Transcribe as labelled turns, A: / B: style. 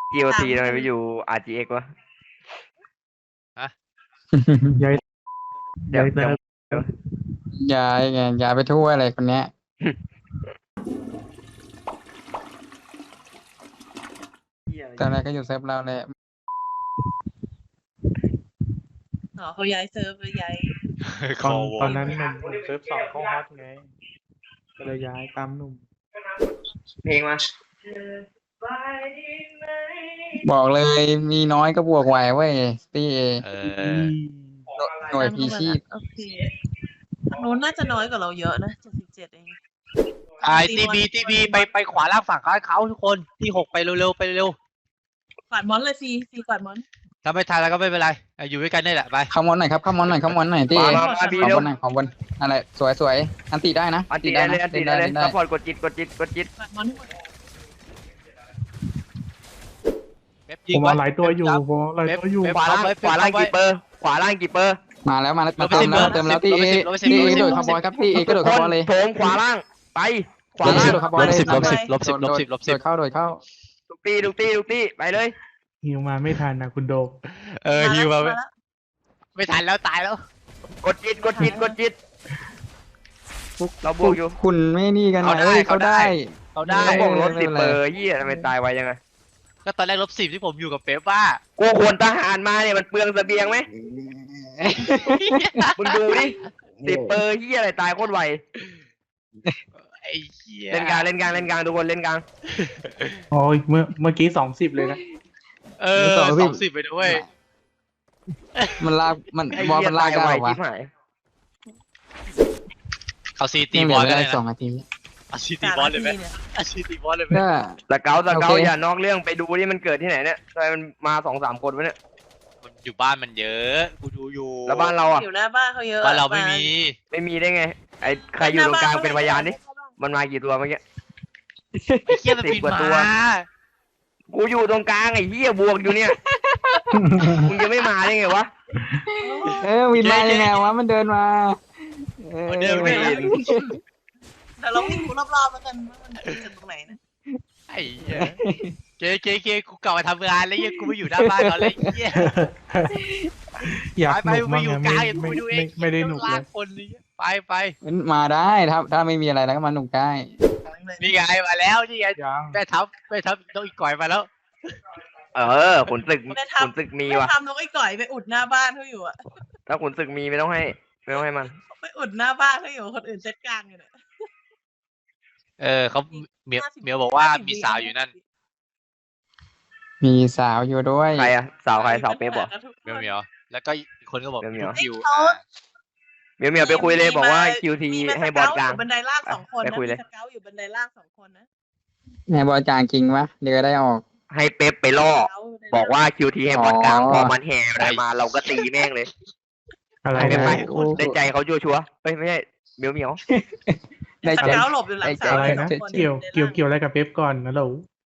A: GOT ทำไมไปอยู่ RGX วะ
B: ย้าย
A: เดี๋ยว
B: เติม
C: ย้ายไงย้ายไปทั่วอะไรคนเนี้ยตอนแรกก็อยู่เซิร์ฟเราแหละ
D: อ๋อเขาย้ายเซิร์ฟหรือย้าย
B: ตอนนั้นหนุ่มเซิร์ฟ2เข้าฮอตไงก็เลยย้ายตามหนุ่ม
A: เพลงมา
C: บอกเลยมีน้อยก็บวกไหวเว้ยพี่เอ หน่วยพีชีพ
D: โอเคทางนู้นน่าจะน้อยกว่าเราเยอะนะ77เอง
E: ทีบีไปขวาล่างฝั่งเขาทุกคนที่6ไปเร็วๆไปเร็ว
D: กวาดมอนเลยซีกวาดมอน
E: ถ้าไม่ทันแล้วก็ไม่เป็นไรอยู่ด้วยกันนี่แหละไป
C: เข้ามอนหน่อยครับเข้ามอนหน่อยเข้ามอนหน่อยพี่เอ
A: มาบี
C: ขอ
A: เร็ว
C: บนหน่อยขอบนอะไรสวยอันติได้นะ
A: อันตีได้เลยอันตีได้เลยซัพพอร์ตกดจิต
D: กวาดมอนให้หมด
E: เว็บ
B: ผ
E: ยิง
B: ม
E: ไว้
B: เอาหลายตัวอยู่ผมเอาหลายตัวอยู่
E: เว็บ
A: ขวาล่างกี่เปอร์ขวาล่างกี่เปอร์
C: มาแล้วมาเติมแล้วพี่เอ
E: ลบไปสิบ
C: พี่เอกระโดดคาร์บอยครับพี่เอกระโดดคาร์บอยเลย
A: โถมขวาล่างไปขวา
C: พี่
A: ล่าง
C: กระโดดคาร์บอยเลย
E: ลบสิบลบสิบ
C: โดดเข้า
A: ทุกตีไปเลย
B: หิวมาไม่ทันนะคุณโด
E: ฮิวมา
D: แล้ว
E: ไม่ทันแล้วตายแล้ว
A: กดจิตเราบวกอยู่
C: คุณไม่นี่กัน
E: เขาได้
C: เขาได้
E: เขาได้
A: เราบวกรถ
C: ไม่
A: 10
C: เป็นไร
A: เปอร์เฮียทำไมตายไวยังไง
E: ก็ตอนแรก-10ที่ผมอยู่กับเป๊ปว่า
A: กูควรทหารมาเนี่ยมันเปลืองเสบียงไหมมึงดูดิ10 เปอร์เฮียอะไรตายโคตรไว
E: ไอ้เหี้ย
A: เล่นกลางทุกคนเล่นกลาง
B: โอ้ยเมื่อกี้20เลยนะ
E: 20ไปด้วย
C: มันลากมันบอลมันลากได้
A: ไว
C: หรอวะ
A: ชิบหาย
E: เอาซีตี
C: ยังเห
E: บ
C: ลื
E: อล
C: อ
E: เล
C: ได้
E: ย
C: 2
E: นะ
C: นาที
E: เอาซีตีบอลเลยไหมเอาซีตีบอลเลยไหม
C: ก็
A: สเกล
C: โอเค
A: อย่านอกเรื่องไปดูที่มันเกิดที่ไหนเนี่ยทำไมมันมา 2-3 คนวะเนี่ย
E: มันอยู่บ้านมันเยอะกูดูอยู่
A: แล้วบ้านเราอ่ะ
D: อยู่หน้าบ้านเขาเยอะ
E: บ้านเราไม่มี
A: ไม่มีได้ไงไอ้ใครอยู่ตรงกลางเป็นพยานดิมันมากี่ตัวเมื่อกี้
E: ไอ้เหี้ยมันบิน
A: 10 กว่าตัว
E: มา
A: กูอยู่ตรงกลางไอ้เหี้ยบวกอยู่เนี่ย มึงจะไม่มาได้ไงวะ
C: วินมายังไงวะมันเดินมา
E: มันเดินไม่ได้
D: แต่เราวิ่งดูรอบๆแล้วกันว่ามันจะตรงไหนนะ
E: ไอ้เหี้ยเกกูกลับมาทำงานแล้วเหี้ยกูไม่อยู่หน้าบ้านเขาเลยไอ้เหี้ย
B: อยาก
E: ไป
B: หนุก
E: ไป
B: มั้ง
E: อยู่
B: อะ
E: กลาง
B: ไม่
E: กูดูเอง
B: ไม่ได้หนุกเลย
E: คนนี้ไป
C: มาได้ถ้าไม่มีอะไรแล้วก็มาหนุกได้
E: นี่ไงมาแล้วนี่ไง
B: ยัง
E: แม่ทัพต้องอีกก่อยมาแล้ว
A: ขุนศึกมี
D: ไม่
A: ว่ะ
D: ทำนกไอ้ก่อยไปอุดหน้าบ้านเขาอยู่อะ
A: ถ้าขุนศึกมีไม่ต้องให้มัน
D: ไปอุดหน้าบ้านเขาอยู่คนอื่นเซตกลางอยู่เนี่ย
E: เขาเมียวบอกว่ามีสาวอยู่นั่น
C: มีสาวอยู่ด้วย
A: ใครอะสาวใครสาวเป๊ปเหรอ
E: เมียวแล้วก็อีกคนก็บอก
A: เมียว
E: คิว
A: เมียวไปคุยเลยบอกว่า QT ให้บอลกลาง
D: บันไดล่าง2 คน
A: ไป
D: นะ
A: คุยเลย
D: มีสเกลอยู่บันไดล่าง2 คนนะ
C: ไงบอลจางจริงวะเดี๋ยวได้ออก
A: ให้เป๊ปไปล่อบอกว่า QT ให้บอลกลางพอมันแห่อะไรมาเราก็ตีแม่งเลย
B: อะไร
A: ไป
B: นะ
A: ไปได้ใจเขาชัวร์เฮ้ยไม่ใช่เมียว
C: ได้
D: ส
C: ใจ
D: เกลหลบอยู่หลังเสา
B: อะไร
D: ส
B: นะ
D: งคน
B: เกี่ยวอะไรกับเป๊ปก่อนนะเรา